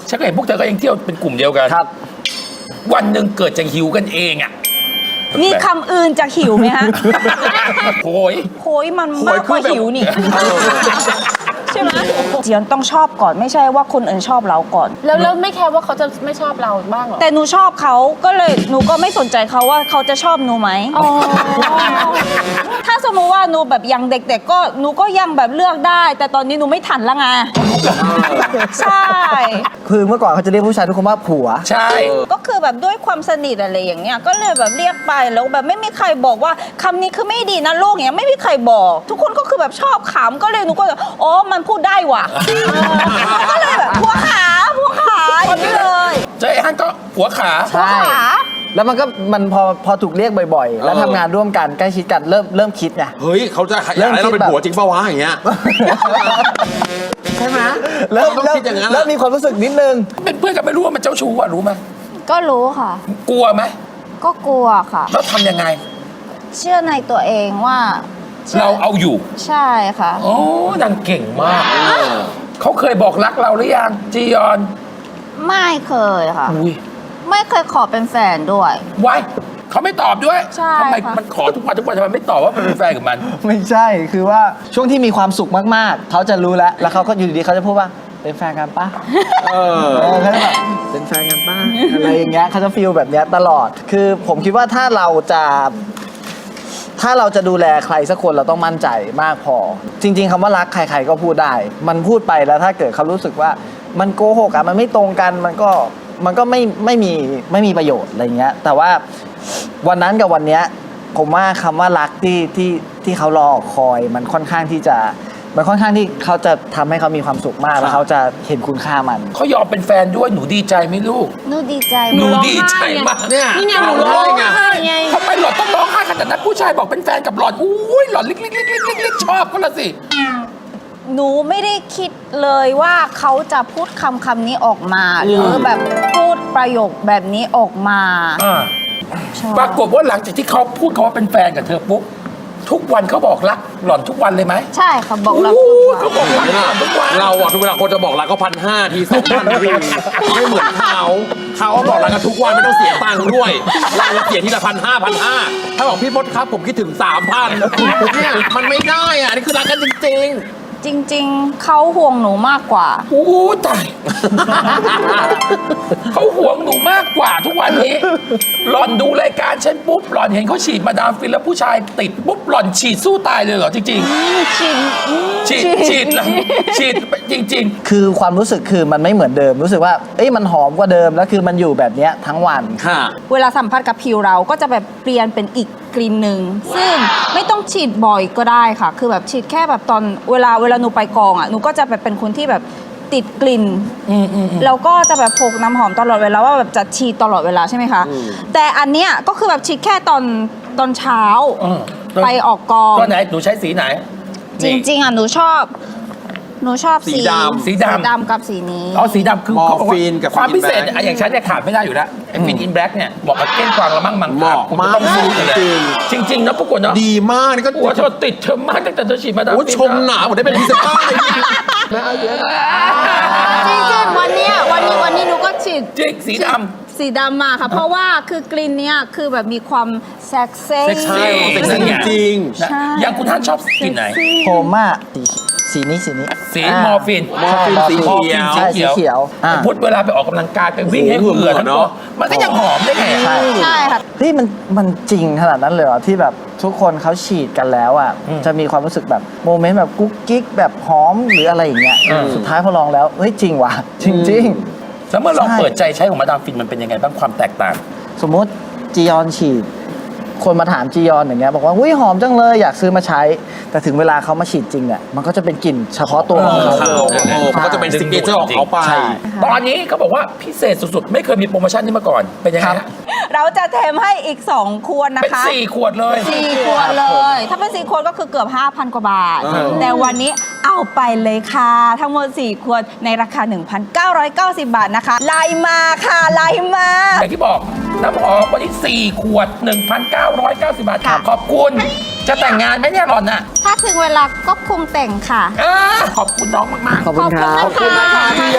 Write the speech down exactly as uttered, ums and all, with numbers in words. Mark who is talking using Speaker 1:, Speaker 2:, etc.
Speaker 1: ฉันก็เห็นพวกเธอก็ยังเที่ยวเป็นกลุ่มเดียวกัน
Speaker 2: ครับ
Speaker 1: วันหนึ่งเกิดจะหิวกันเองอ่ะ
Speaker 3: มีคำอื่นจะหิวไหมฮะ
Speaker 1: โหย
Speaker 3: โหยมันมากกว่าหิวนี่ใช่ไหมเจียนต้องชอบก่อนไม่ใช่ว่าคนอื่นชอบเราก่อน
Speaker 4: แล้วแล้วไม่แคร์ว่าเขาจะไม่ชอบเราบ้างหรอ
Speaker 3: แต่หนูชอบเขาก็เลยหนูก็ไม่สนใจเขาว่าเขาจะชอบหนูไหมถ้าสมมติว่าหนูแบบยังเด็กๆก็หนูก็ยังแบบเลือกได้ แต่ตอนนี้หนูไม่ทันละไงใช่
Speaker 2: คือเมื่อก่อนเขาจะเรียกผู้ชายทุกคนว่าผัว
Speaker 1: ใช่
Speaker 3: ก็คือแบบด้วยความสนิทอะไรอย่างเงี้ยก็เลยแบบเรียกไปแล้วแบบไม่มีใครบอกว่าคำนี้คือไม่ดีนะลูกเนี้ยไม่มีใครบอก ทุกคนก็คือแบบชอบขำก็เลยหนูก็แบบอ๋อมันพูดได้ว่ะก็เลยแบบผัวขาผัวขาอย่างนี้เลย
Speaker 1: เจ๊ฮันก็ผัวขา
Speaker 2: ใช่แล้วมันก็มันพอพอถูกเรียกบ่อยๆแล้วทำงานร่วมกันใกล้ชิดกันเริ่มเริ่มคิดไง
Speaker 5: เฮ้ยเขาจะอยากให้เราเป็นผัวจริงป่าวะอย่างเงี้ยใช่ไหม
Speaker 2: เริ่มเริ่มเริ่มมีความรู้สึกนิดนึง
Speaker 1: เป็นเพื่อนกันไม่รู้ว่ามันเจ้าชู้อ่ะรู้ไหม
Speaker 3: ก็รู้ค่ะ
Speaker 1: กลัวไหม
Speaker 3: ก็กลัวค่ะ
Speaker 1: แล้วทำยังไง
Speaker 3: เชื่อในตัวเองว่า
Speaker 1: เราเอาอยู่
Speaker 3: ใช่ค่ะ
Speaker 1: โอ้นางเก่งมากเขาเคยบอกรักเราหรือยังจียอน
Speaker 3: ไม่เคยค่ะไม่เคยขอเป็นแฟนด้วย
Speaker 1: ไว้เขาไม่ตอบด้วย
Speaker 3: ใช่
Speaker 1: ทำไมมันขอทุกวันทุกวันทำไมไม่ตอบว่าเป็นแฟนกับมัน
Speaker 2: ไม่ใช่คือว่าช่วงที่มีความสุขมากๆเขาจะรู้แล้วแล้วเขาก็อยู่ดีๆเขาจะพูดว่าเป็นแฟนกันปะเออเขาจะแบบเป็นแฟนกันปะอะไรอย่างเงี้ยเขาจะฟีลแบบเนี้ยตลอดคือผมคิดว่าถ้าเราจะถ้าเราจะดูแลใครสักคนเราต้องมั่นใจมากพอจริงๆคำว่ารักใครๆก็พูดได้มันพูดไปแล้วถ้าเกิดเขารู้สึกว่ามันโกหกอะมันไม่ตรงกันมันก็มันก็ไม่ไม่มีไม่มีประโยชน์อะไรเงี้ยแต่ว่าวันนั้นกับวันเนี้ยผมว่าคำว่ารักที่ที่ที่เขารอคอยมันค่อนข้างที่จะมันค่อนข้างที่เขาจะทำให้เขามีความสุขมากแล้วเขาจะเห็นคุณค่ามัน
Speaker 1: เขายอมเป็นแฟนด้วยหนูดีใจไหมลูก
Speaker 3: หนูดีใจ
Speaker 1: หนูดีใจมาก
Speaker 4: เนี่ยนี่ไงหนูร้องไห้ไง
Speaker 1: ทำไมหล่อนต้องร้องไห้ขนาดนั้นผู้ชายบอกเป็นแฟนกับหล่อนอุ้ยหล่อนลิกลิกลิกลิกลิกลิกชอบก็ละสิ
Speaker 3: หนูไม่ได้คิดเลยว่าเขาจะพูดคำคำนี้ออกมาหรือแบบพูดประโยคแบบนี้ออกมา
Speaker 1: ปรากฏว่าหลังจากที่เขาพูดเขาว่าเป็นแฟนกับเธอปุ๊บทุกวันเขาบอกรักหล่อนทุกวันเลยไหม
Speaker 3: ใช่ค่ะบอกรัก
Speaker 1: เขาบอกรักทุกวัน
Speaker 5: เราอะทุกเวลาคนจะบอกรักก็พันห้าทีสองพันทีไม่เหมือนเขาเขาบอกรักกันทุกวันไม่ต้องเสียตังค์ด้วยเราเสียทีละพันห้าพันห้าถ้าบอกพี่มดครับผมคิดถึงสามพันเนี่ยมันไม่ได้อะนี่คือรักกันจริงๆ
Speaker 3: จริงๆเขาห่วงหนูมากกว่า
Speaker 1: โอ้ตายเขาห่วงหนูมากกว่าทุกวันนี้หล่อนดูรายการฉันปุ๊บหล่อนเห็นเขาฉีดมาดามฟินแล้วผู้ชายติดปุ๊บหล่อนฉีดสู้ตายเลยเหรอจริง
Speaker 3: ๆฉีด
Speaker 1: ฉีดฉีดฉีดจริง
Speaker 2: ๆคือความรู้สึกคือมันไม่เหมือนเดิมรู้สึกว่าเอ้ยมันหอมกว่าเดิมแล้วคือมันอยู่แบบเนี้ยทั้งวัน
Speaker 1: ค่ะ
Speaker 3: เวลาสัมผัสกับผิวเราก็จะแบบเปลี่ยนเป็นอีกกลิ่นหนึ่งซึ่งไม่ต้องฉีดบ่อยก็ได้ค่ะคือแบบฉีดแค่แบบตอนเวลาเวลาหนูไปกองอ่ะหนูก็จะแบบเป็นคนที่แบบติดกลิ่นแล้วก็จะแบบพกน้ำหอมตลอดเวลาว่าแบบจะฉีดตลอดเวลาใช่ไหมคะแต่อันเนี้ยก็คือแบบฉีดแค่ตอนตอนเช้าไปออกกอง
Speaker 1: ตอนไหนหนูใช้สีไหน
Speaker 3: จริงๆอ่ะหนูชอบหนูชอบ
Speaker 1: สีดำสีดำ
Speaker 3: ดำกับสีนี้
Speaker 1: อ๋อสีดำคือ
Speaker 5: มอร์ฟีนกับ
Speaker 1: ความพิเศษอย่างฉันเนี่ยขาดไม่ได้อยู่แล้วไอ้ฟินอินแบล็กเนี่ยบอกกับเก้งกวางละมั่งมัง
Speaker 5: เหมาะมาก
Speaker 1: จริงจริงๆนะพวกคนเนาะ
Speaker 5: ดีมากนี่ก็
Speaker 1: หัวเธอติดเธอมากตั้งแต่เธอฉีดมาดามฟิน
Speaker 5: ชมหนาหมดได้เป็นพรีเซนเตอร์เลย
Speaker 3: จริงๆวันนี้วันนี้วันนี้หนูก็ฉีด
Speaker 1: จริงสีดำ
Speaker 3: สีดำมาค่ะเพราะว่าคือกลิ่นเนี้ยคือแบบมีความเซ็กซี่
Speaker 1: เซ็กซี่
Speaker 5: จริง
Speaker 1: อย่างคุณท่านชอบกลิ่นไหน
Speaker 2: ผมอะสีนี้สีนี้
Speaker 1: สีมอร์ฟิน
Speaker 5: มอร์ฟินสีเขียว
Speaker 2: สีเขียว
Speaker 1: พุทธเวลาไปออกกำลังกายไปวิ่งให้เหงื่อทั้งตัวมันก็ยังหอมได้ไง
Speaker 3: ใช่ค่ะ
Speaker 2: ที่มันมันจริงขนาดนั้นเลยเหรอที่แบบทุกคนเขาฉีดกันแล้วอ่ะจะมีความรู้สึกแบบโมเมนต์แบบกุ๊กกิ๊กแบบหอมหรืออะไรอย่างเงี้ยสุดท้ายพอลองแล้วเฮ้ยจริงว่ะจริงจริง
Speaker 1: แล้วเมื่อลองเปิดใจใช้ของมาดามฟินมันเป็นยังไงบ้างความแตกต่าง
Speaker 2: สมมติจียอนฉีดคนมาถามจียอนอย่างเงี้ยบอกว่าอุ้ยหอมจังเลยอยากซื้อมาใช้แต่ถึงเวลาเขามาฉีดจริงเนี่ยมันก็จะเป็นกลิ่นเฉพาะตัวของเขา
Speaker 5: เขาก็จะเป็นซิกเนเจอร์ของเขาไป
Speaker 1: ตอนนี้เขาบอกว่าพิเศษสุดๆไม่เคยมีโปรโมชั่นนี้มาก่อนเป็นยังไง
Speaker 3: เราจะแถมให้อีกสองขวดนะคะ
Speaker 1: เป็นสี่ขวดเลย
Speaker 3: สี่ขวดเลยถ้าเป็นสี่ขวดก็คือเกือบ ห้าพัน กว่าบาทแต่วันนี้เอาไปเลยค่ะทั้งหมดสี่ขวดในราคา หนึ่งพันเก้าร้อยเก้าสิบ บาทนะคะไลน์มาค่ะไลน์มา
Speaker 1: อย่างที่บอกน้ำหอมวันนี้สี่ขวด หนึ่งพันเก้าร้อยเก้าสิบ บาทขอบคุณจะแต่งงานไหมเนี่ยหล่อนน่ะ
Speaker 3: ถ้าถึงเวลาก็คงแต่งค่ะ
Speaker 1: ขอบคุณน้องมากๆ
Speaker 2: ขอบคุณครับ